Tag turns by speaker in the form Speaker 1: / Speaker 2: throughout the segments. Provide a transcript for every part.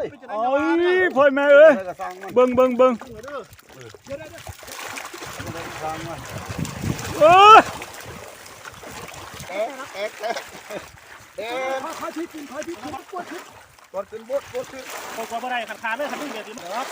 Speaker 1: ย
Speaker 2: โอ้ยพ่อยแม่เอ้ยเบิ่งเออ
Speaker 1: พาชิดกินพาชิดปวดขึ้นบดขึ้น
Speaker 3: พอบ่ได้ขาดเลยคันนี้เดี๋ยวสิครับ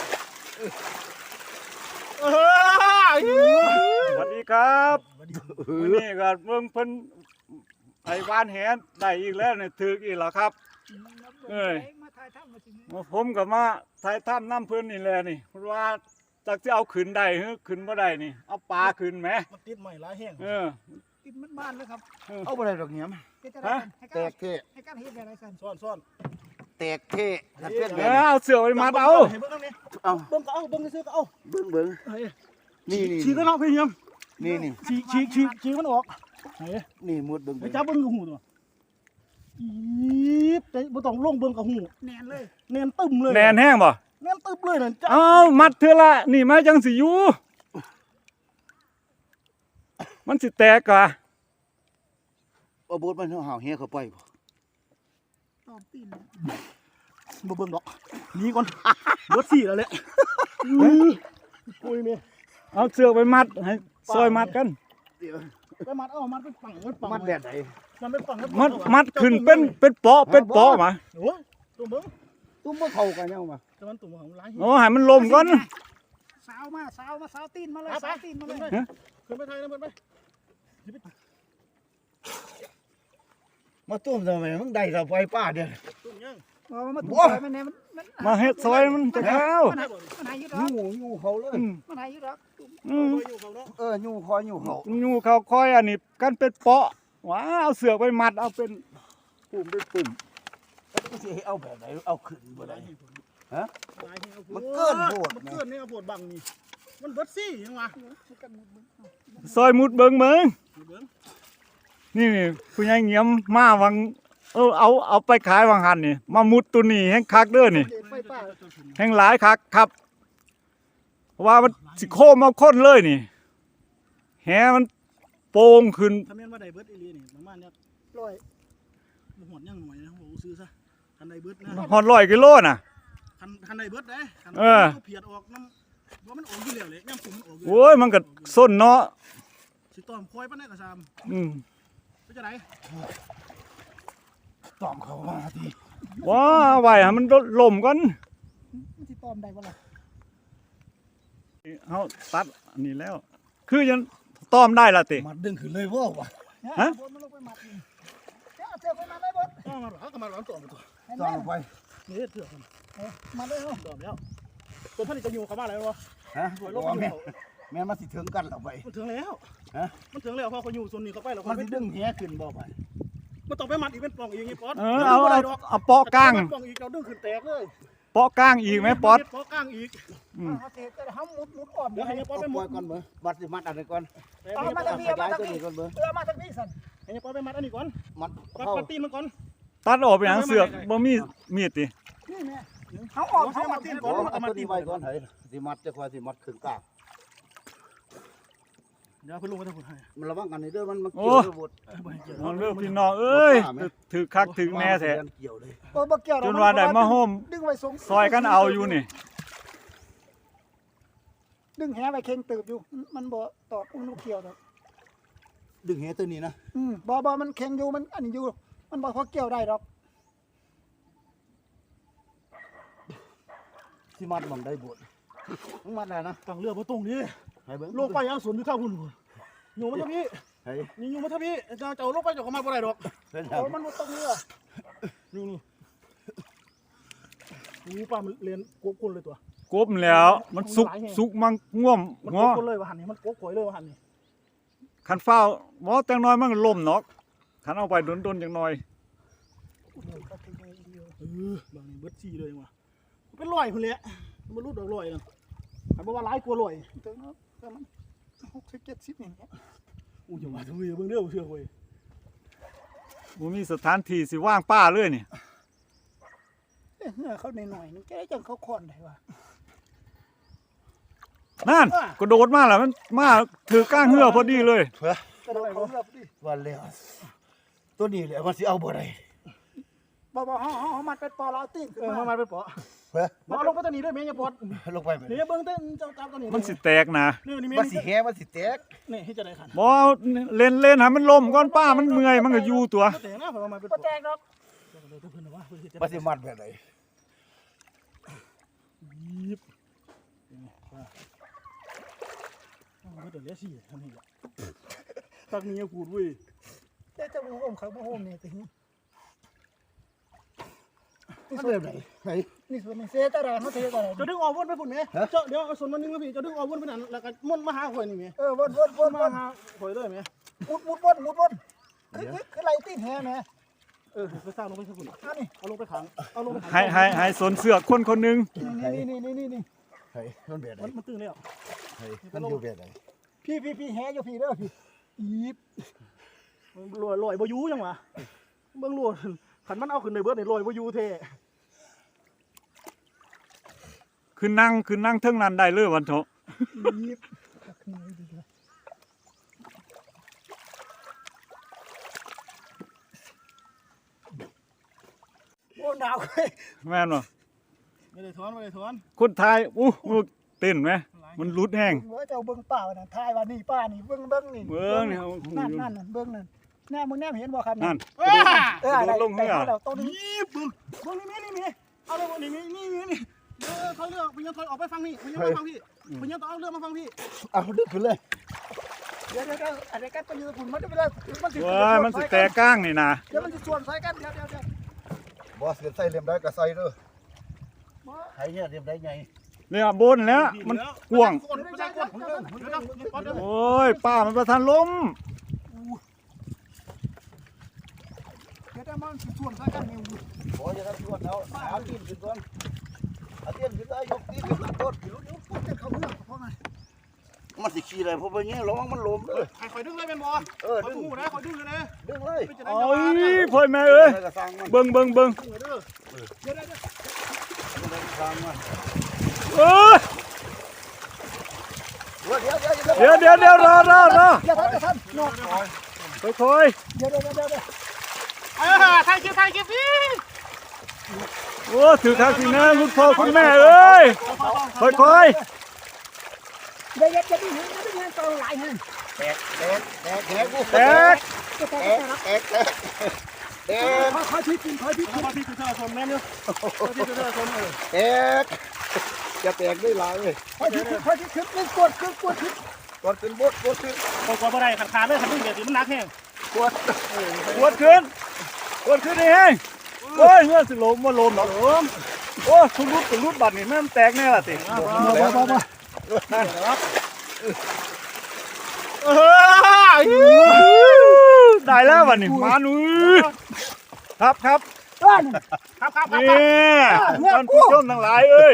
Speaker 2: สวัสดีครับวันนี้ก็เบิ่งเพิ่นไอ้วานแหได้อีกแล้วเนี่ยถึกอีกแล้วครับเอ้ยมาผมก็มาถ่ายถ้ำน้ำเพิ่นนี่แหละนี่ว่าจักสิเอาขึ้นได้หรือขึ้นบ่ได้นี่เอาปลาขึ้นไหม
Speaker 3: มันติดใหม่หลายแห้ง
Speaker 1: ติดมันบ้านเลยครับ
Speaker 4: เอาไปได้ดอกเหี้ยมแตกเท
Speaker 1: ให้การเฮ็ดอะไรกัน
Speaker 3: ซ่อน
Speaker 4: แตกเทเปลี่ยน
Speaker 2: เอาเสือไปมัดเอา
Speaker 3: เห็นเบิ่งนั่นนี่
Speaker 4: เอา
Speaker 3: เบิ่งก็เอาเบิ่งซื้อก็เอา
Speaker 4: เบิ่งนี่
Speaker 3: ฉีกก็เนาะพี่ยม
Speaker 4: นี่
Speaker 3: ฉีกมันออก
Speaker 4: นี่มุดเบิ่ง
Speaker 3: ไปจับเบิ่งกับหูตัวอีบแต่บ่ต้องลงเบิ่งกับหู
Speaker 1: แน่นเลย
Speaker 3: แน่นตึมเลย
Speaker 2: แน่นแห้งบ่
Speaker 3: แน่นตึมเลยนั่นจ้า
Speaker 2: เอามัดเถอะละนี่มาจังสิอยู่มันสิแตกกะ
Speaker 4: เอาบดมันห่าวเหี้ยเข้าไปบ่
Speaker 1: ตอบตีน
Speaker 3: บ่เบิ่งดอกหนีก่อนเบิด4แล้วแหละคุยแม่
Speaker 2: เอาเสือไปมัดให้ซอยมัดกัน
Speaker 3: ไปมัดเอามัดเป็นปังปัง
Speaker 4: มัดแบบไหน
Speaker 3: มันเป็นปัง
Speaker 2: มัดขึ้นเป็นเปาะมา
Speaker 3: โอ้ยตุ้มเบิ่ง
Speaker 4: ตุ้มบ่เข้ากันยังมา
Speaker 3: แต่มันตุ้มของหลาย
Speaker 2: โอ้ให้มันลมก่อน
Speaker 1: สาวตีนมาเลยสาวตีนมาเลย
Speaker 3: ขึ้นไปไทยนะเบิ่งไป
Speaker 4: มาตุ้มทำไมมึงได้เข้าไปป้าเด้อ
Speaker 3: ตุ้มยัง
Speaker 1: มาถูกไปมันเนี่ยมัน
Speaker 2: มาเฮ็ดซอยมันจะเข้า
Speaker 1: มันหายอยู่หรอ
Speaker 4: ยู่เขาเลย
Speaker 1: มันหายอยู่หรอ
Speaker 3: อยู่เขาเนาะ
Speaker 4: ยู่คอยยู่เขา
Speaker 2: อยู่เขาคอยอันนี้กันเป็นเปาะว้าเอาเสือไปมัดเอาเป็นปุ่ม
Speaker 4: ก็สิเอาแบบไหนเอาขึ้นบ่ได้
Speaker 3: มันเกินโหดมันเกินนี่เอาโหดบังนี่มันเบิดซี่ยังวะ
Speaker 2: ซอยมุดเบิ่งนี่ผู้ใหญ่เงียมมาวังเอาไปขายวังหันนี่มามุดตัวนี้แห้งคักเด้อนี่
Speaker 1: ไฟป่า
Speaker 2: แห้งหลายคักครับเพราะว่ามันสิโคมมาค้นเลยนี่แหมันโป่งขึ้น
Speaker 3: ถ้าแม่นว่าได้เบิดอีหลีนี่ประมาณเนี้ย
Speaker 1: ลอย
Speaker 3: บ่หอดยังหน่อยนะบ่ซื้อซะคันได้เบิดนะ
Speaker 2: ฮอด100 กิโลน่ะ
Speaker 3: คันได้เบิดเด้คันเพียดออกน้ำว่ามันออกอยู่แล้วเลยย่ำผมมันออกอยู่
Speaker 2: โอ้ยมันก็ส้นเนาะ
Speaker 3: สิต้อมคอยปานใดก็ซ้ำ
Speaker 2: อืม
Speaker 3: เป็นจังได๋
Speaker 4: ตอมเขามาที
Speaker 2: ว้าไว้ให้มันล่มก่อน
Speaker 1: มันสิตอมได้บ่ล่ะ
Speaker 2: เฮาตัดอันนี้แล้ว คือยังต้อมได้ล่ะติ
Speaker 4: มัดดึงขึ้นเลยว่าวะ
Speaker 1: มันลงไปมัดนี่จะเอาเชือกไปมัดได้บ่
Speaker 3: ก็มาหรอก็มาหรอต้อมตัว
Speaker 4: ตอมไป
Speaker 3: นี่เถื่อน
Speaker 1: มัดเลยเนาะ
Speaker 3: ต้อมแล้วตัวผลิตจะอยู่เข้ามาแล้วบ่
Speaker 4: ฮะแม่มาสิถึงกันแล้วไป
Speaker 3: มันถึงแล้ว
Speaker 4: ฮะ
Speaker 3: มันถึงแล้วพอเขาอยู่ส่วนนี้เขาไปแล้ว
Speaker 4: มันสิดึงเหี้ยขึ้นบ่ไป
Speaker 3: มันต้องไปมัดอีกเป็นปล่องอีกไงป๊อด
Speaker 2: เอาเปาะกลาง
Speaker 3: ปล่องอีกเราดึงขึ้นแตกเลย
Speaker 2: เปาะกลางอีกไหมป๊อด
Speaker 3: เปาะกลางอีก
Speaker 1: เฮาสิเฮามุดอ้อม
Speaker 3: เดี๋ยวให้ป๊อดไปหม
Speaker 4: ปล่อ
Speaker 3: ด
Speaker 4: ยก่อนเบอบัดสิมัดอะไรก่อน
Speaker 1: เอามาทางนี้
Speaker 4: ข
Speaker 1: มาย
Speaker 4: าย
Speaker 1: ทาง
Speaker 4: ตัว
Speaker 1: นี้
Speaker 4: นี้ก่อนเบอ
Speaker 1: มาทางนี้สั่น
Speaker 3: ให้ป๊อดไปมัดอันนี้ก่อน
Speaker 4: มัด
Speaker 3: ปัด
Speaker 4: เข้า
Speaker 3: ปัดตีนมันก่อน
Speaker 2: ตัดออกไปหางเสือกบ่มีมีดติ
Speaker 1: นี่แม่เฮาออก
Speaker 3: ให้
Speaker 1: เฮา
Speaker 3: มา
Speaker 1: มา
Speaker 3: ตี
Speaker 1: ตี
Speaker 3: น
Speaker 1: น
Speaker 3: ก่
Speaker 1: ก่
Speaker 3: อ
Speaker 1: อน น
Speaker 3: เอามา
Speaker 4: ตัว
Speaker 3: ตี
Speaker 4: นี้
Speaker 3: น
Speaker 4: ไว้ก่อนให้สิมัดจะคอยสิมัดขึ้นกลาง
Speaker 3: เดี๋ยวเพิ่นลงไปทางพุ่นให้
Speaker 4: มันระวังกันนี่เด้อมันเกี่ยวกับบด
Speaker 3: บ่ให้เกี่ยว
Speaker 2: เอาเรื่องพี่น้องเอ้ยถือคักถึงแน่แท้
Speaker 4: เกี่ยวเลย
Speaker 1: บ่เกี่ยว
Speaker 2: จนว่าได้มาโฮม
Speaker 1: ดึงไว้สง
Speaker 2: ซอยกันเอาอยู่นี่
Speaker 1: ดึงแหไว้เข่งตืบอยู่มันบ่ตอกมันเกี่ยวดอก
Speaker 4: ดึงเหี้ยตัวนี้นะ
Speaker 1: บ่มันเข่งอยู่มันอันนี้อยู่มันบ่พอเกี่ยวได้ดอก
Speaker 4: ที่มัดมันได้บดมึงมัดอะไรนะ
Speaker 3: ตั้งเรือบ่ตรงนี้
Speaker 4: ให้เบิ่ง
Speaker 3: ลงไปยังสวนอยู่ท่าพุ่นอยู่มาทางนี้
Speaker 4: ให้
Speaker 3: นี่อยู่มาทางนี้เจ้าลงไปเจ้าก็มาบ่ได้ดอก
Speaker 4: เป็น
Speaker 1: โอ้มันบ่ตรงเรือ
Speaker 3: นี่ป้ามันเรียนโกกคนเลยตัว
Speaker 2: กบแล้วมันสุกมังง่วม
Speaker 3: มัน
Speaker 2: ง
Speaker 3: โก
Speaker 2: อก
Speaker 3: คนเลยว่าหันนี่มันโกกข่อยเลยว่าหันนี่
Speaker 2: คันฟ้าวบ่จังน้อยมันก็ล่มเนาะคันเอาไปดนๆจังน้อย
Speaker 3: บางนี่เบิดซี่เลยว่ะเป็นร้อยพุ่นแหละมันรูดดอกร้อยนะแต่บ่ว่าหลายกว่าร้อย
Speaker 1: ถึงเนาะมัน60 70นี่
Speaker 3: อู้อย่าว่าทุยเบิ่งเด้อเชื่อเว้ย
Speaker 2: บ่มีสถานที่สิว่างป้าเลยนี่
Speaker 1: เหือเขาหน่อยๆนึงแกจังเขาค่อนได้ว่า
Speaker 2: นั่นกระโดดมาแล้วมันมาถือก้างเหือพอดีเลย
Speaker 1: กระโดดเขาเรือพอดี
Speaker 4: วันแล้วตัวนี้แหละมันสิเอาบ่ได้
Speaker 1: บ่เฮามัดเป็นปอแล้วเอาตีนขึ้น
Speaker 3: มา
Speaker 1: มา
Speaker 3: ไปเปาะ
Speaker 4: เฮ้ย
Speaker 3: มาลงไปตัวนี้ด้วยแม่อย่าปวด
Speaker 4: ลงไปไหม
Speaker 3: นี่เบิ่งเต้นเจ้าตัวนี้
Speaker 2: มันสิแตกนะ
Speaker 3: นี่แม่
Speaker 4: มันสิแหมันสิแตก
Speaker 3: นี่ให้จะได้ขัน
Speaker 2: บ่เล่นให้มันล่มก่อนป้ามันเมื่อยมันก็อยู่ตัว
Speaker 3: แต่นะผมมาเป็น
Speaker 1: บ่
Speaker 3: ปอ
Speaker 1: แตกดอก
Speaker 4: มันสิมัดแบบไหน
Speaker 3: ยิบมันเดือดเลี้ยสี่ทำนี่แหละตักนี้กูดเว้ย
Speaker 1: แต่เจ้าบ่โฮมเขาบ่โฮมนี่ติ
Speaker 4: มันแบบไหนไหน
Speaker 1: นี่ส่วนนี้เสียตะดาเฮาเสียตะดา
Speaker 3: จะดึงออกวนไปฝุ่นไหมเจ้าเดี๋ยวเอาส่วนมันนึงมาพี่จะดึงออกวนไปนั่นแล้วก็มุ่นมาหาข่อยนี่ไหม
Speaker 1: วน
Speaker 3: มาหาข่อยเลยไหม
Speaker 1: วนคือไรตีนแฮแม่
Speaker 3: ไปสร้างลงไปสักฝุ่น
Speaker 1: อันนี้
Speaker 3: เอาลงไปขังเอาลงไปขัง
Speaker 2: ให้สนเสือกคนหนึง
Speaker 1: นี่
Speaker 4: ไหนมันแบบไหน
Speaker 3: มันตึงแล้ว
Speaker 4: ไหนมันอยู่แบบไหน
Speaker 1: พี่แฮอยู่พี่เด้อพี่อีบ
Speaker 3: ลอยบ่ยูยังวะเบิ่งลอยขันมันเอาขึ้นในเบิร์ดในลอยบ่ยูเท่
Speaker 2: คือนั่งเทิงนั้นได้เลยวันเถาะ
Speaker 1: อีบนี่ดีเลยโอ้หนาวเว้ย
Speaker 2: แม่นบ่
Speaker 3: ไม่ได้ถอนไม่ได้ถอน
Speaker 2: คนไทยอู้เต้นไหมมันรุดแห้ง
Speaker 1: เว้ยเจ้าเบิ่งป่าน่ะทายว่านี่ป้านี่เบิ่งนี่
Speaker 2: เบิ่งนี่
Speaker 1: นั่นเบิ่งนั่นแน่มึงแน่เห็นบ่ครับ
Speaker 2: นั่น
Speaker 1: อะไร
Speaker 2: ลงเหือ
Speaker 1: แล้วตัวนี้
Speaker 3: นี่บึ้งนี่เอาเลยนี่เขาเลือกพยัญชนะออกไปฟังนี่พยัญชนะฟังพี่พยัญชนะเอาเรื่องมาฟังพี่
Speaker 4: เอาดึกขึ้นเลย
Speaker 1: เดี๋ยวอะไรกันตัวนี้คุณมันเวลามันสิ
Speaker 2: ว้ายมันสิแตกก้างนี่นะ
Speaker 1: เดี๋ยวมันสิส่วนใส่กันเดี๋ยว
Speaker 4: บอสเก็บใส่เลียมได้ก็ใส่เด้อไห้เนี่ยเลียมได้ไง
Speaker 2: เนี่ยบนแล้วมันกว้าง
Speaker 3: ไม่ใช่กวนผมเดิน
Speaker 2: โอ้ยป้ามันประทานล้ม
Speaker 1: เดี๋ยวมันสิส่วนใส่กันนี่
Speaker 4: บอสจะทำชวนแล้วเอาตีนขึ้นก่อนเอาตีนขึ้นได้ยกตีนขึ้นต้น
Speaker 1: เดี๋ยวพูดจะเข้าเรื่องเพราะไง
Speaker 4: มันสิขี้อะไรเพราะว่าเงี้ยระวังมันล้มเลย
Speaker 3: คอยดึงเลยเป็นบอคอย
Speaker 4: ดึง
Speaker 3: หูนะคอยดึงเลยนะ
Speaker 4: ดึงเลย
Speaker 2: โอ้ยพ่อยแม่เอ้ย
Speaker 4: กระซังมัน
Speaker 2: เบิ่ง
Speaker 3: เด้อ
Speaker 1: เดี๋ยว
Speaker 4: กระซังมัน
Speaker 2: เอ้ย
Speaker 4: เดี๋ยว
Speaker 2: เดี๋ยวรอ
Speaker 1: อย่าทันนอน
Speaker 2: ค่อย
Speaker 1: เดี๋ยว
Speaker 3: ถ่ายคลิปพี่
Speaker 2: ๆโอ้ถือทางสินะคุณพ่อคุณแม่เอ้ยค่อย
Speaker 1: เดี๋ยวจะดิ้นจะดิ้นตัวหลายแห่ง
Speaker 4: แตกกู
Speaker 2: ๆแตก
Speaker 1: ค่อยๆกินค่อยๆกิน
Speaker 3: มาพี่คือเธอชมแม่เนี่ยพี่คือเธอชมเลย
Speaker 4: แตกจะแตกได้หลายเลย
Speaker 1: ค่อยๆขึ้นกดขึ้น
Speaker 4: ก่อนขึ้นบดขึ้น
Speaker 3: คนกลัวอะไรขาดเลยขันดึงเดี๋ยวมันนักแห้ง
Speaker 4: กด
Speaker 2: กดขึ้นนี่เองโอ้ยเมื่อสิล้มบ่ล้มหรอกโอ้ทุรุดบัดนี่แม่นแตกแน่ล่ะติ ได้แล้ววันนี้มาหนูครับ
Speaker 3: ครับ
Speaker 2: นี่ท่านผู้ชมทั้งหลายเอ้ย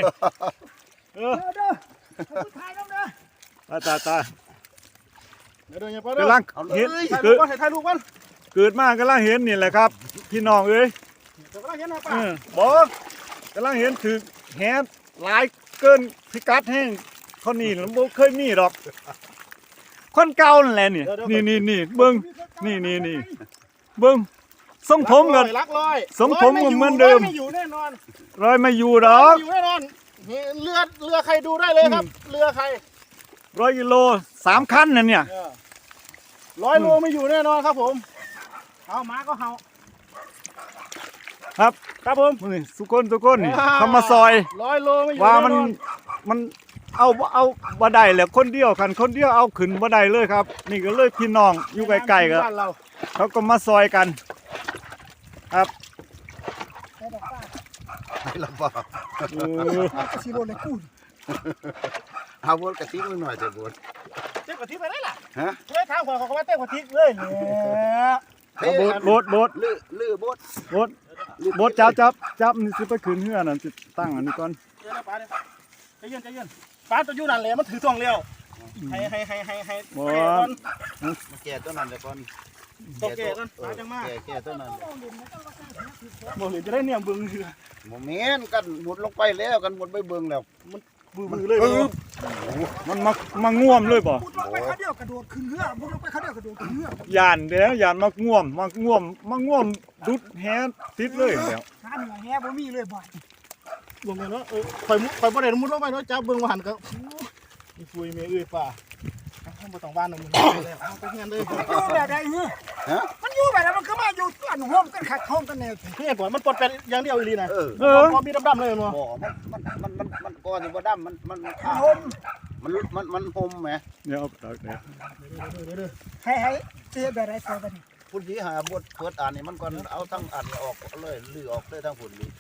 Speaker 2: ตา
Speaker 3: เดี๋ยวอย่าไป
Speaker 2: กำลังเห็น
Speaker 3: ถ่ายรูปกัน
Speaker 2: เกิดมากำลังเห็นนี่แหละครับพี่น้องเอ้ย
Speaker 3: เดี๋ยวก็เห็นนะป้า
Speaker 2: บอกกำลังเห็นถือแหนหลายเกินพิกัดแห้งเขานี่แล้วบ่เคยมีดอกคนเก่านั่นแหละนี่เบิ่งนี่เบิ่งทรงผมกัน
Speaker 3: รักร้อย
Speaker 2: ทรงผมก็เหมือนเดิม
Speaker 3: ไม่อยู่แน่นอน
Speaker 2: รอยมาอยู่ดอก
Speaker 3: อยู่แน่นอนเรือใครดูได้เลยครับเรือใคร
Speaker 2: 100 กิโล3 คันนั่นเนี่ย
Speaker 3: 100 โลไม่อยู่แน่นอนครับผมเอาหมาก็เห่า
Speaker 2: ครับผมนี่ทุกคนนี่เขามาซอย
Speaker 3: 100 โลไม่อยู่
Speaker 2: ว่า
Speaker 3: แน่นอน
Speaker 2: มันเอาบ่ได้แหละคนเดียวคนเดียวเอาขึ้นบ่ได้เลยครับ นี่ก็เลยพี่น้องอยู่ใกล้ๆกัน
Speaker 3: บ้านเรา
Speaker 2: เขาก็มาซอยกันครับ
Speaker 4: ไม่ลำบาก
Speaker 1: สิโลเลยกู
Speaker 4: เอาบดกระซิบหน่อยเถอะบด
Speaker 3: เต้นกะทิไปได้ล่ะ
Speaker 4: ฮะ
Speaker 3: เฮ้ยทางขวาเขาก็ว่าเต้นกะทิเลยเนี่ย
Speaker 2: โบด
Speaker 4: ลื้อบด
Speaker 2: โบดจับนี่สิไปขึ้นเฮือนั่นสิตั้งอันนี้ก่อน
Speaker 3: เดี๋ยวนะป้าเนี่ยใจเย็นป้าตัวอยู่นั่นแหละมันถือทวงเร็วให้
Speaker 2: บ่
Speaker 4: แก่ตัวนั้นเดี๋ยวก่อน
Speaker 3: ตัวแก่กันป้าจังมาก
Speaker 4: แก่ตัวนั้น
Speaker 3: บอกเลยจะได้เนี่ยบึงเรือ
Speaker 4: โมเมนต์กันหมดลงไปแล้วกันหมดไปเบิ่งแล้วมัน
Speaker 3: บือเลย
Speaker 2: มันง่วมเลยบ่
Speaker 1: มุดลงไปเขาเดียวกระโดดขึ้นเรือมุดลงไปเขาเดียวกระโดดขึ้นเรือย
Speaker 2: านเด้อยานมาง่วมดุดแฮติดเลยแล้ว
Speaker 1: หาเหนือแฮ่บ่มีเลยบ่อย
Speaker 3: ลงไปเนาะข่อยบ่ได้มุดลงไปเนาะจับเบิ่งว่าหันก็มีฟุยเมย์เอ้ยป่าบ่ต้องบ้านมึงแล้วเอาไปเฮียนเลย
Speaker 1: มันอยู่แบบใดมันอยู่แบบนั้นมันก็มาอยู่อันโฮมกันขัดโฮมกันแนว
Speaker 3: เฮียก่อนมันปลดเป็นอย่างเดียวอีหลีนะ พอมีดำๆเลยเนาะ
Speaker 4: บ่มันก้อนนี่บ่ดำมันข้าว
Speaker 1: โฮม
Speaker 4: มันหมแหม
Speaker 2: เดี๋ยวเอาตักเดี๋ยว
Speaker 1: ให้เสียแบบใดเสียแบบนี้
Speaker 4: พุ่นสิหาบทเปิดอ่านนี่มันก่อนเอาทั้งอ่านออกเลยลือออกเลยทั้งพุ่นนี่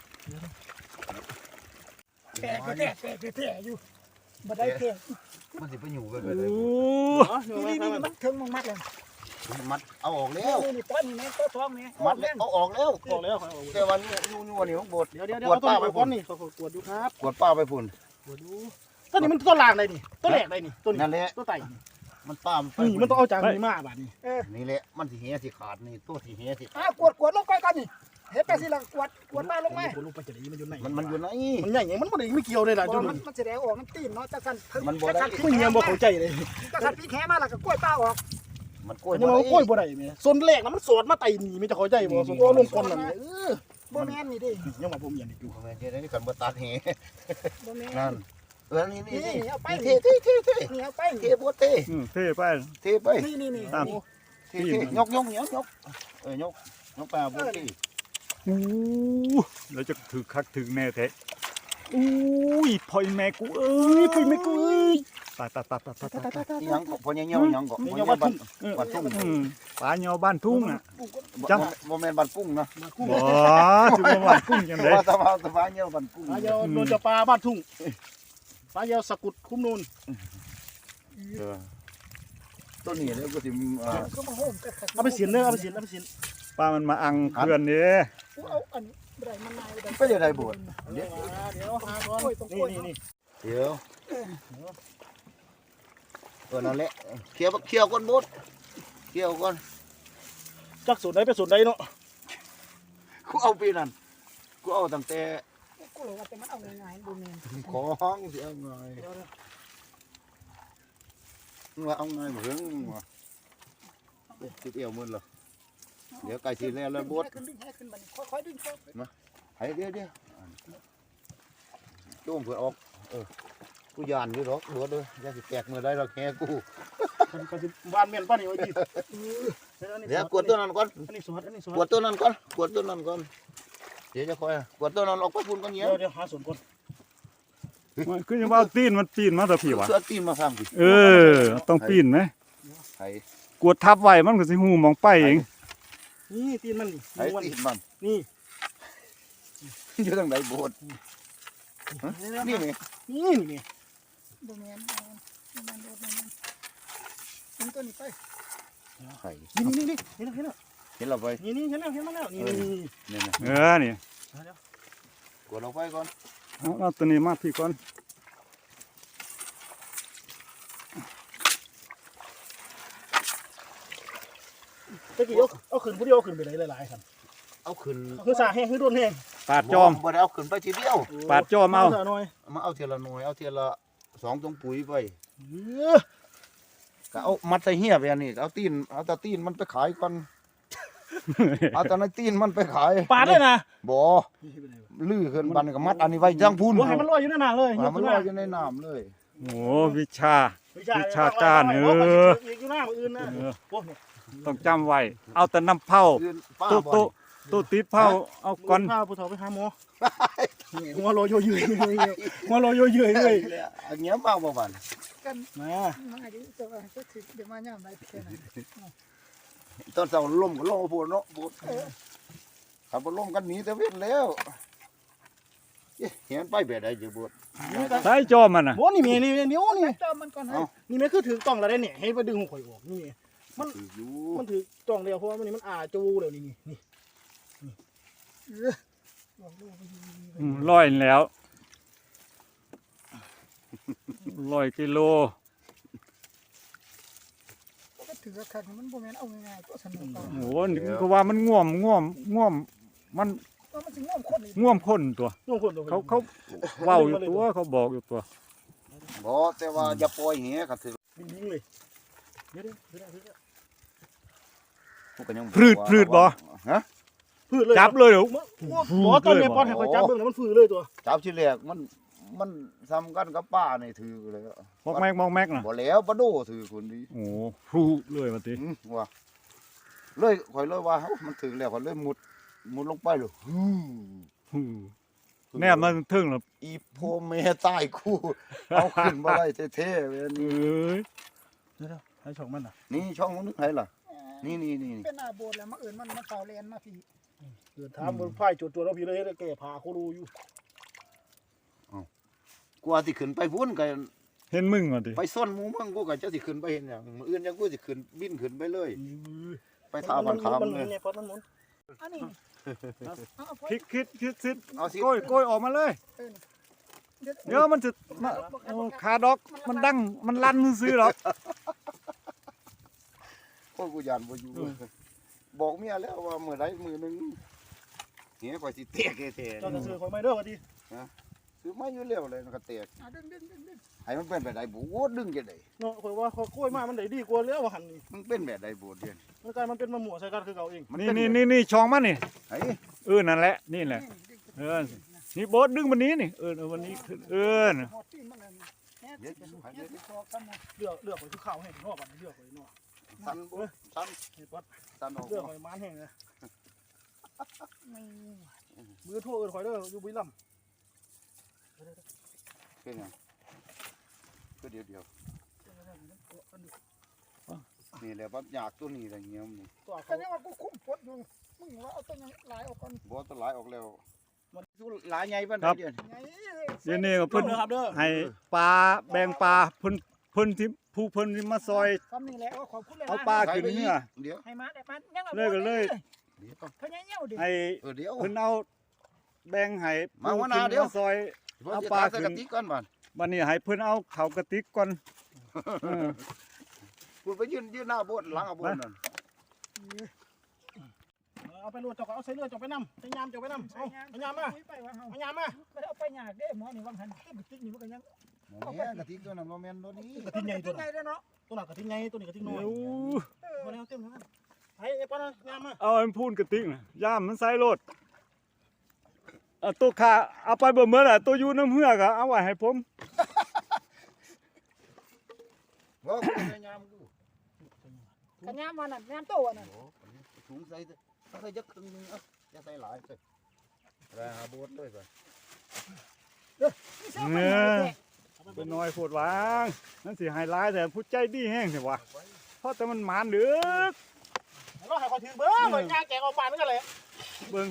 Speaker 1: แต่อยู่บ่ได้แท้
Speaker 4: มันสิไปอยู่กัน
Speaker 2: โอ้
Speaker 4: เลย
Speaker 1: นี่มันถึงมัดเลย
Speaker 4: มัดเอาออกแล้ว
Speaker 1: นี่ต้นนี่แม่ต้นท้องแม่
Speaker 4: มัดเอาออกแล้ว
Speaker 3: บอกแล้ว
Speaker 4: แต่วันนี้ยูนี่ของบท
Speaker 3: เดี๋ยวเอาต้นไปก่อนนี่เขากวดดูครับ
Speaker 4: กวดป้าไปพุ่น
Speaker 3: กวดดูต้นนี้มันต้นล่างเลยนี่ต้นแรกเลยนี่ต้น
Speaker 4: นั่นแหละ
Speaker 3: ต้นไต่
Speaker 4: มันป้ามันไป
Speaker 3: นี่มันต้องเอาจากนี้มาบาดนี้
Speaker 4: นี่แหละมันสิเหียสิขาดนี่ตัวสิเหียสิ
Speaker 1: กวดลงไปกันนี่เฮ็ดไปสิล่ะกวดมาลงมา
Speaker 3: ลงไปจะได้มันอยู่ไหน
Speaker 4: มันอยู่ไหน
Speaker 3: มันใหญ่ยังมันบ่ได้ไม่เกี่ยวเลยล่ะจุด
Speaker 1: มันแสดงออกมันตีนเนาะจังซั่น
Speaker 3: มึงยังบ่เข้าใจเลย
Speaker 1: จังซั่นพี่แขมาแล้วก็กล้วยป้าออก
Speaker 4: มันกล้วย
Speaker 3: ยังเอากล้วยบ่ได้แม่ส่วนแรกน่ะมันสอดมาไต่นี่มีจะเข้าใจบ่ส่วนตัวลงคนนั่น
Speaker 1: บ่แม่นนี่ดิ
Speaker 3: ยังว่าผมเห็นอยู่
Speaker 4: แม่เจ้านี่กันบ่ตัดเหี
Speaker 1: บ่แม่
Speaker 4: นั่
Speaker 1: น
Speaker 4: นนี่
Speaker 1: นี่เอาไป
Speaker 4: เท
Speaker 1: นี่เอาไป
Speaker 4: เทบ่เท
Speaker 2: เท่ไป
Speaker 4: เทไป
Speaker 1: นี่
Speaker 2: ตาม
Speaker 4: เทยกยกไปบ่เท
Speaker 2: โอ้แล้วจะถือคักถือแน่แท้อุ้ยพ่อยแม่กูเอ้ยพ่อยแม่กูเอ้ยตาย
Speaker 4: ยังก็พอยังยังก็ยังบ้านทุ่ง
Speaker 2: ปลาเหี่ยวบ้านทุ่งอ่ะ
Speaker 4: บ่แม่นบ้านกุ้งนะ
Speaker 2: บ่ถึงบ้านกุ้งจังได๋
Speaker 4: ว่าตะวันเหี่ยวบ้านกุ้ง
Speaker 3: ปลาเยาวโดนจะปลาบ้านทุ่งปลาเยาวสกุดคุ้มนูน
Speaker 4: ต้นนี้แล้วก็สิ
Speaker 1: ก็มาโฮมกัน
Speaker 3: เอาไปเสียนเด้อเอาไปเสียนเอาไปเสียน
Speaker 2: ปลามันมาอังเพื่อนนี่
Speaker 1: เอาอันไรมันนาย
Speaker 4: ไปเดี๋ยวได้บวช
Speaker 3: เดี๋ยวหาก่อนนี่
Speaker 4: เดี๋ยวนั่นแหละเคี่ยวก่อนบดเคี่ยวก่อน
Speaker 3: จักสูตรใดไปสูตรใดเนาะ
Speaker 4: กูเอาปีนั้นกูเอาตั้งแต่
Speaker 1: กูเลยว่าแต่มันเอาง่ายๆบ่แม่น
Speaker 4: ของสิเอาไงว่าเอาไงเหมือนว่าติดเอวมึนเหรอเดี๋ยวไก่สิแล้วบด
Speaker 1: ขึ้นดึงให้ขึ้นบัดนี้ค่อยๆดึงเข้า
Speaker 4: ให้เดี๋ยวโจมเผื่อออกกูยานอยู่หรอกบดเลยอย่าสิแตกมือได้หรอกแค่กู
Speaker 3: ก็สิบ้านเมียนป้านี่ไว้ดี
Speaker 4: เดี๋ยวกวดตัวนั้นก่อน
Speaker 3: อันนี้สวัสดอันนี้ส
Speaker 4: กว
Speaker 3: วัส
Speaker 4: ดตัวนั้นก่อนกวดตัวนั้นก่อนเดี๋ยวจะคอยกวดตัวนั้นออกไปพุ่นก่อนเงี้ย
Speaker 3: เดี๋ยวหาสูตรก่อน
Speaker 2: มันคือยังว่าตีนมันปีนมาแต่พี่วะ
Speaker 4: เสื้อตีนมาข้างพี่
Speaker 2: ต้องปีนไหม
Speaker 4: ไอ้
Speaker 2: กวดทับไว้มันก็สิหูมองไปเอง
Speaker 3: นี่ตีนมัน
Speaker 4: ไอ้
Speaker 3: นี่
Speaker 4: ตีนมัน
Speaker 3: นี่
Speaker 4: อยู่ทางไหนโบดนี่นี่
Speaker 3: นี่นี่
Speaker 1: บ่แม่นมันโดดมันถึงตัวนี้ไป
Speaker 4: ไข่
Speaker 3: นี่เห็นแล้ว
Speaker 4: เห็นเราไป
Speaker 3: นี่เห็นแล้วนี่
Speaker 4: นี่นะ
Speaker 2: นี่
Speaker 4: กวดเราไปก่อน
Speaker 2: เอาตัวนี้มาพี่ก่อน
Speaker 3: ตะกี้เอาขึ้นผู้เดียวขึ้นไปหลายๆครับ
Speaker 4: เอาขึ้น
Speaker 3: คือสาแห้งคือโดนแห้ง
Speaker 2: ปาดจอม
Speaker 4: บ่ได้เอาขึ้นไปทีเดียว
Speaker 2: ปาดจอมเอา
Speaker 3: หน่อย
Speaker 4: มาเอาเทียละหน่วยเอาเทียละ2ตรงปุ๋ยไป
Speaker 3: เออ
Speaker 4: ก็เอามัดใส่เหี้ยไปอันนี้เอาตาตีนมันไปขายก่อนเอาตาในตีนมันไปขาย
Speaker 3: ปาดเลยนะ
Speaker 4: บ่ลื้อขึ้นบันก็มัดอันนี้ไว้จังพูน
Speaker 3: ว่าให้มันลอยอยู่ในน้ำเลย
Speaker 4: มันลอยอยู่ในน้ำเลย
Speaker 2: โอ้วิชา
Speaker 3: อยู่หน้าอื่นนะโอ้
Speaker 2: ต้องจำไว้เอาแต่น้ำเผา
Speaker 4: ยืนป้า
Speaker 2: ตู้
Speaker 4: บ่
Speaker 2: ตู้ตู้ติดเผาเอาก่อน
Speaker 3: พาผู้เฒ่าไปหาหมอหัวโลโยเยยหัวโลโยเยยเลย
Speaker 4: อันเงี้ยมาบ่บัน
Speaker 1: กัน
Speaker 3: มา
Speaker 1: มาอยู่แต่ว่าจะถึงเดี๋ยวมายามใดแค่นั้น
Speaker 4: ตอนเช้าล่มก็ล่มพูดเนาะพูดขับบ่ล่มกันหนีแต่เว้นแล้วเห็นไปแบบใดอยู่บด
Speaker 2: ใช้จอมมันน่ะ
Speaker 3: โอ้นี่มีนี่เดี๋ยวนี่
Speaker 1: จอมมันก่อนให้
Speaker 3: นี่มันคือถือต้องแล้วได้เนี่ยให้ไปดึงหัวข่อยออกนี่
Speaker 4: อยู่
Speaker 3: มันถือต้องเดียวเพราะว่ามันนี่มันจูเลยนี่
Speaker 2: ลอยแล้ว100 กิโล
Speaker 1: ก็ถือว่าคักมันบ่แม่นเอาง่ายๆตัวสนุกเอา
Speaker 2: โอ้นี่ก็ว่ามันง่วมมัน
Speaker 1: มันสิง่วมคนนี่
Speaker 2: ง่วมคนตัว
Speaker 3: น้องคนตัว
Speaker 2: เขาเว้าอยู่ตัวเขาบอกอยู่ตัว
Speaker 4: บ่แต่ว่าอย่าปล่อยแหก็ถือ
Speaker 3: ยิงเลยเดี๋ยว
Speaker 4: พวกก็ยัง
Speaker 2: พืดบ่
Speaker 4: ฮะ
Speaker 3: พืชเลย
Speaker 2: จับเลยเหรอ
Speaker 3: บ่ตอนนี้ปอนให้คอยจับเบิ่งแล้วมันฟื้นเลยตัว
Speaker 4: จับที่แรกมันซ้ำกันกับป้านี่ถือเลย
Speaker 2: มอกแม็กน่ะ
Speaker 4: บ่แล้วบ่โดถือคนดี
Speaker 2: โอ้พรูเลยว่าติ
Speaker 4: ว่าเลยข่อยเลยว่ามันถึงแล้วข่อยเลยมุดลงไปเลย
Speaker 2: แนบมันถึงแล้ว
Speaker 4: อีโพเมใต้คู่เอาขึ้นมาได้เท่ๆเว้ย
Speaker 2: เอ้ย
Speaker 3: เดี๋ยวให้ช่องมันน่ะ
Speaker 4: นี่ช่องนึงให้ล่ะนี่
Speaker 1: เป็นหน้าโบสถ์แล้วมาเอิ้นมันเฝ้าแลนมาพี่
Speaker 3: เดินถามบนพ่ายจุดตัวเราพี่เลยแก่ผาโครูอยู่
Speaker 4: กว่าสิขึ้นไปพุ่นก็
Speaker 2: เห็นมึงว่าติ
Speaker 4: ไปซ่อนหมู่มึงกูก็จะสิขึ้นไปเห็นหยังมื้ออื่นยังกูสิขึ้นบินขึ้นไปเลย ไปท่าบ้านขามเลย
Speaker 3: เนี่ยปอนมันหมุน
Speaker 1: อันนี้เอา
Speaker 2: คิดซิ
Speaker 4: เอาสิ
Speaker 2: โกยออกมาเลย
Speaker 1: เดี๋ยว
Speaker 2: เดี๋ยวมันจะมาขาดอกมันดังมันลั่นซื่อหรอก
Speaker 4: โอ้กูยานบ่อยู่บอกเมียแล้วว่ามื้อใดมื้อนึงเหี้ยข่อยสิแตกแท้
Speaker 3: เจ้าจะซื้อคอยไม่เด้อว่าดี
Speaker 4: ๆคือมาอยู่แล้วเลยมันก็แตก
Speaker 1: ดึง
Speaker 4: ให้มันเป็นแบบใดบ่โอ้ดึงจังได๋
Speaker 3: เนาะคอยว่าคอยกล้วยมามันได้ดีกว่าแล้วว่าหันนี่
Speaker 4: มันเป็นแบบใดบ่เดียน
Speaker 3: มันกลายมันเป็นมะม่วงใส่กันคือเก่าเอง
Speaker 4: มัน
Speaker 2: นี่
Speaker 4: เป็น
Speaker 2: นี่ช่องมันนี่
Speaker 4: ไอ้
Speaker 2: นั่นแหละนี่แหละนี่โบ๊ทดึงวันนี้นี่วันนี้น่ะ
Speaker 1: หอดตีนมันนั่นแฮ่สิพอกันนะ
Speaker 3: เลือกคอยทุกข้าวให้นอกบัดเลือกคอยนอก
Speaker 4: สันบ่สัน
Speaker 3: นี่ปอน
Speaker 4: สันออก
Speaker 3: เลือกคอยมันแห้งนะ
Speaker 1: ไม่
Speaker 3: มือโทษคอยเด้ออยู่บุรีรัมย์
Speaker 4: เป็นหยังก็เดียวนี่แหละบัดยากตัวนี้ละเงี้ยนี่
Speaker 3: ตัว
Speaker 1: ก็
Speaker 3: เขา
Speaker 1: ยังว่ากูคุ้มปดอยู่มึงว่าเอาตัวยังหลายออกก่อน
Speaker 4: บ่ตัวหลายออกแล้วมันสู้หลายใหญ่ปานใดเดียว
Speaker 1: ไง
Speaker 2: เดี๋ยวนี้ก็เพิ่น
Speaker 3: ครับเด้อ
Speaker 2: ให้ปลาแบ่งปลาเพิ่นที่ผู้เพิ่นที่มาซอย
Speaker 1: คำนี้แหละขอบคุณเลย
Speaker 2: เอาปลาขึ้นเนื้อ
Speaker 4: เดี๋ยว
Speaker 1: ให้มาได้มันยัง
Speaker 2: เลยก็เลย
Speaker 4: เดี๋ยว
Speaker 1: พญาเหี่ยวดิ
Speaker 2: ให้
Speaker 4: เดี๋ยว
Speaker 2: เพิ่นเอาแบ่งให้
Speaker 4: มาหัวห
Speaker 2: ผู้
Speaker 4: น้า
Speaker 2: ขึ้น
Speaker 4: เดี๋ยว
Speaker 2: มาซอย เอาปลาขึ้
Speaker 4: ใส่
Speaker 2: น
Speaker 4: กะติกก่อนบัด
Speaker 2: บัดนี้ให้เพิ่นเอาเข้ากระติกก่อนเออ
Speaker 4: พูดไปยืนหน้าโบสถ์หลังอ่ะโบสถ์นั่น
Speaker 3: เอาไปรวดเจ้าก็เอาใส่เลือดเจ้าไปนำใส่ยามเจ้าไปนำเอาเอายามมาเอายามมา
Speaker 1: ไม่ได้เอาไปยากเด้หมอนี่วางหันเก็บติ๊กนี่มันก็ยัง
Speaker 4: แม่กะติกตัวนั้นบ่แม่นตัวนี้
Speaker 3: กระทิงใหญ่ตัว
Speaker 1: ไง
Speaker 3: นั้น
Speaker 1: เด้อเนาะ
Speaker 3: ตัวนั้นกระทิงใหญ่ตัวนี้กระทิงน้อย
Speaker 2: โอ้
Speaker 3: มาแล้วเต็มแล้วไอ้ปอนยามมา
Speaker 2: เอาอันพูนกระติกน่ะย่ามมันใส่รถเอาตัวขาเอาไปเบ่เหมือนอ่ะตัวอยู่น้ำเหือกอ่ะเอาไว้ให้ผม
Speaker 4: ว่ากูพยายามกู
Speaker 1: กันยามมันน่ะยามโตอ่ะน่ะ
Speaker 4: โอ้ถุงใส่ใส่จักครึ่งนึงอ่ะอย่าใส่หลายใส่แล้วหาโบสถ์เลยไป
Speaker 2: เป็นน้อยโพดวางนั่นสิไฮไลท์แต่ผู้ใจดีแห้งสิวะเพราะแต่มันหมานดึก
Speaker 3: เราให้คอยถือเบิ้งเหมือนยาแกงออกปานนั่นกันเลย
Speaker 2: เบิ่ง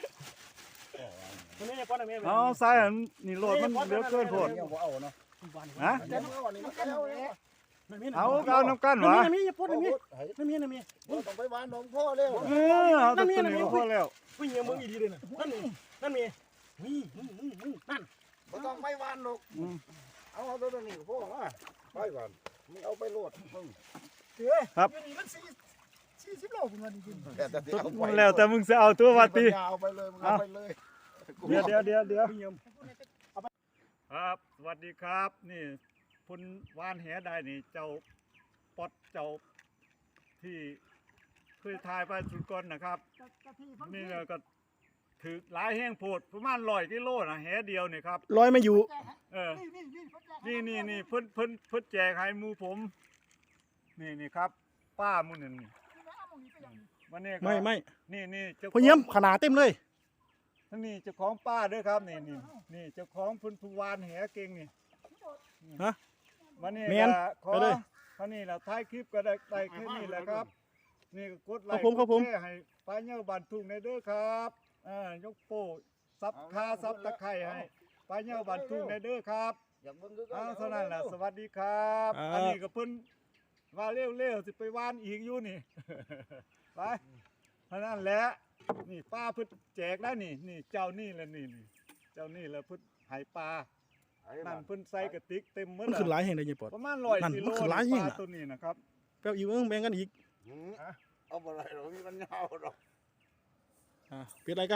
Speaker 3: ตัวนี้เนี่ยปอนแม่
Speaker 2: เอาใส่อันนี่โลดมันเดือเกินโพด
Speaker 4: เนี่ยบ่เอาเนาะ
Speaker 2: ฮะ
Speaker 1: เดี๋ยวเอาอันนี้มันก็เอาแล้ว
Speaker 2: เอาเอาน้ำกันวะ
Speaker 3: น้ำมีปอนน้ำมีน้ำมีน้ำมี
Speaker 4: บ่ต้องไปหวานนมพ่อแล้ว
Speaker 2: เอาตัวนี้ก็พอแล้ว
Speaker 3: วิ่งเงี้ยมึงอีดีเลยนะนั่นมีนั่นมีนั่น
Speaker 4: บ่ต้องไปหวานหรอก
Speaker 2: อืม
Speaker 4: เอาตัวนี้ก็พอว่าไปหวานมึงเอาไปโลดมึง
Speaker 1: เด้ออยู่นี่มัน40โลพุ่นว่าจริง
Speaker 4: แต่เอาไป
Speaker 2: แล้วแต่มึงจะเอาตัววัดตี
Speaker 4: เอาไปเลยมึงเอาไปเลย
Speaker 2: เดี๋ยว
Speaker 3: วิ่งเงี้ย
Speaker 2: ครับสวัสดีครับนี่พุ่นวานแหได้นี่เจ้าปอดเจ้าที่เคยทายไปสุดก่อนนะครับ นี่ก็ถือหลายแห้งโพดประมาณ100 กิโลนะแหเดียวนี่ครับ
Speaker 3: ลอยมาอยู่
Speaker 2: เออนี่เพิ่นแจกให้หมู่ผมนี่ครับ ป้าหมู่นั่นนี่วันนี้ก็
Speaker 3: ไม่
Speaker 2: นี่เจ้า
Speaker 3: พอเยี่ยมขนาดเต็มเลย
Speaker 2: ทั้งนี้เจ้าของป้าเด้อครับนี่เจ้าของเพิ่นผู้วานแหเก่งนี่
Speaker 3: ฮะ
Speaker 2: วันนี้
Speaker 3: แม่น
Speaker 2: ก็ขอ
Speaker 3: ไปเลย
Speaker 2: คราวนี้เราท้ายคลิปก็ได้แค่นี้แหละครับ นี่ก็กดไลค์
Speaker 3: ครับผม
Speaker 2: กดแชร์ให้ป้าเหี่ยวบ้านทุ่งในเด้อครับยกโป้ซับคาซับตะไคร้ให้ป้าเหี่ยวบ้านทุ่งในเด้อครับ
Speaker 4: อยากเบิ่งคือกั
Speaker 2: เท่านั้นแหละสวัสดีครับ อันนี้ก็เพิ่นว่าเร็วๆสิไปว่านอีกอยู่นี่ ไปเท่านั้นแหละนี่ป้าเพิ่นแจกได้นี่เจ้านี่แหละนี่เจ้านี่แหละเพิ่นให้ปลานั่นเพิ่นใส่กระติกเต็มหมด
Speaker 3: มัน
Speaker 2: แล้ว
Speaker 3: ขึ้นหลายแห่งได้ยังปอด
Speaker 2: ประมาณ
Speaker 3: นั่น
Speaker 2: 100 กิโล
Speaker 3: มันขึ้นหลาย
Speaker 2: ป
Speaker 3: แห่ง
Speaker 2: ลา
Speaker 3: น่ะ
Speaker 2: ตัวนี้นะครับ
Speaker 3: แป๊บอีกแบ่งกันอีก
Speaker 4: เอาบ่ได้หรอกมีมันยาวหรอก
Speaker 3: เป็นไรกัน